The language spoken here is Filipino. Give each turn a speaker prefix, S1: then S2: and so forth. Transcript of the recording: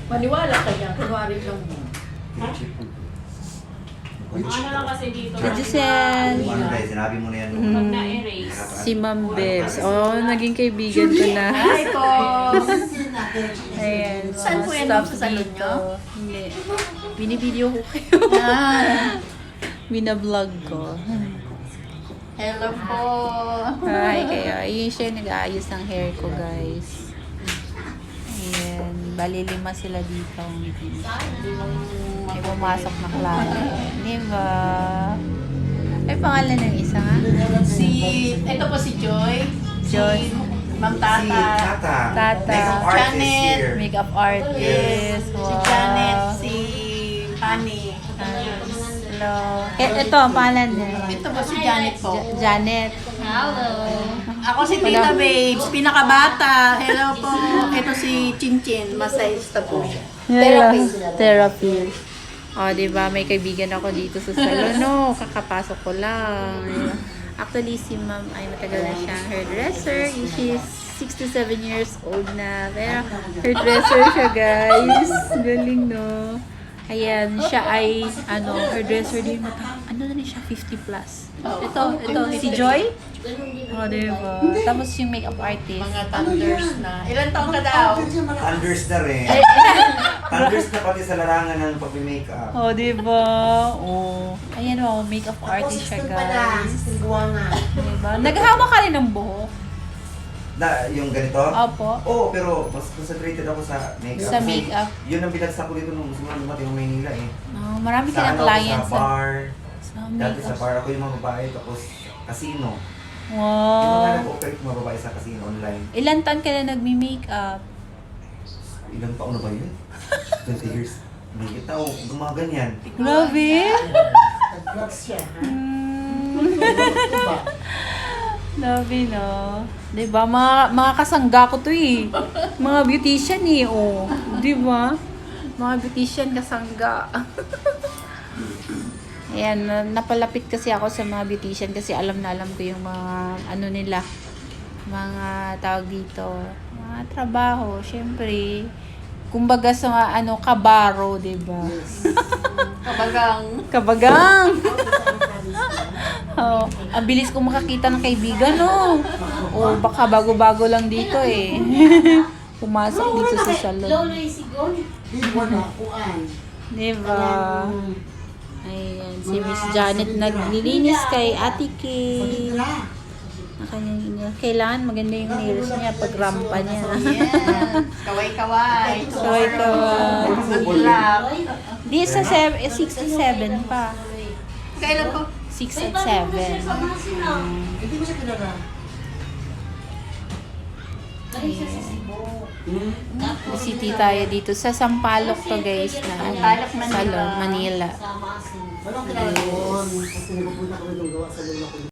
S1: Maniwala ka yan. Kunwari lang mo.
S2: Ano lang kasi dito.
S3: Si Giselle.
S4: Ano tayo, sinabi mo na yan.
S2: Pag na-erase.
S3: Si Ma'am Bebs. Oh, naging kaibigan ko na.
S1: Hi po!
S3: Ayan.
S1: Saan po yan?
S3: Staff
S1: Sa salon
S3: dito.
S1: nyo?
S3: Hindi. Binivideo ko kayo. Binablog ko.
S1: Hello po!
S3: Hi kayo. Ayun siya nag-aayos ng hair ko, guys. Ayan. Bali 5 sila dito. May pumasok na klase. Diba? Ay, pangalan ng isa nga?
S1: Ito po si Joy.
S3: Joy.
S1: Si Ma'am
S4: Si
S1: Tata.
S4: Tata.
S3: Tata.
S4: Makeup artist
S1: Janet.
S4: here.
S3: Makeup artist. Wow.
S1: Si Janet. Si Honey.
S3: Hello. Ito, ang pangalan niya.
S1: Ito po si Janet po.
S3: Janet.
S1: Hello. Ako si Tita Babes, pinakabata. Hello po. Ito si Chinchin, masayista po siya.
S3: Therapy. Therapy. O, diba? May kaibigan ako dito sa salon. No, kakapasok ko lang. Actually, si ma'am ay matagal na siyang hairdresser. She's 67 years old na. Pero hairdresser siya, guys. Galing, no? Ayan, siya ay, hairdresser din. Ano na rin siya? 50 plus. Ito, si Joy? O, diba? Tapos yung makeup artist.
S1: Mga thunders na. Ilan taong ka daw?
S4: Thunders na rin. Thunders na pati sa larangan ng pag-makeup.
S3: Oh, diba? Oh. Ayan o, makeup artist siya, guys. Diba? Naghahawak ka rin ng buhok.
S4: Yung ganito?
S3: Opo.
S4: Oo, pero mas concentrated ako sa makeup.
S3: Sa
S4: Kasi
S3: makeup.
S4: Yun ang binagsak ko dito nung simula dumating ng Maynila eh.
S3: Oh, marami ka
S4: Sa
S3: ng
S4: ano,
S3: clients
S4: sa bar.
S3: sa
S4: Dati sa
S3: makeup.
S4: bar ako yung mga babae, tapos casino. Yung mga
S3: Wow.
S4: nag-operate mga babae sa casino online.
S3: Ilan taon ka na nagmi-makeup?
S4: Ilang taon na ba yun? 20 years. May tao, gumaganyan.
S3: Grabe.
S5: Nag-vlogs siya, ha?
S3: Grabe, no? Diba? Mga kasangga ko to eh. Mga beautician eh, oh. Diba? Mga beautician kasangga. Ayan, napalapit kasi ako sa mga beautician kasi alam na alam ko yung mga ano nila. Mga tawag dito. Mga trabaho, syempre. Kumbaga sa kabaro, diba?
S1: Kabagang.
S3: Kabagang! Oh, ang bilis ko makakita ng kaibigan, no? Oh, baka bago-bago lang dito eh. Pumasok dito sa salon.
S5: Ibo na kuan.
S3: Diba? Ayan, si Miss Janet naglilinis kay Ate Kay. Na kanyang nails. Kailangan maganda yung nails niya pag rampa niya.
S1: Yeah. Kaway-kaway.
S3: Kaway-kaway.
S1: Good luck.
S3: Di sa 6 at 7 pa.
S1: Kailan po?
S3: 6 at 7.
S5: Hindi ko siya kilala.
S3: City tayo dito sa Sampaloc to, guys, na
S1: Sampaloc, Manila.
S3: salon, Manila.
S5: Anong kilala doon? Kasi nagpupunta kami nung gawa sa lula ko.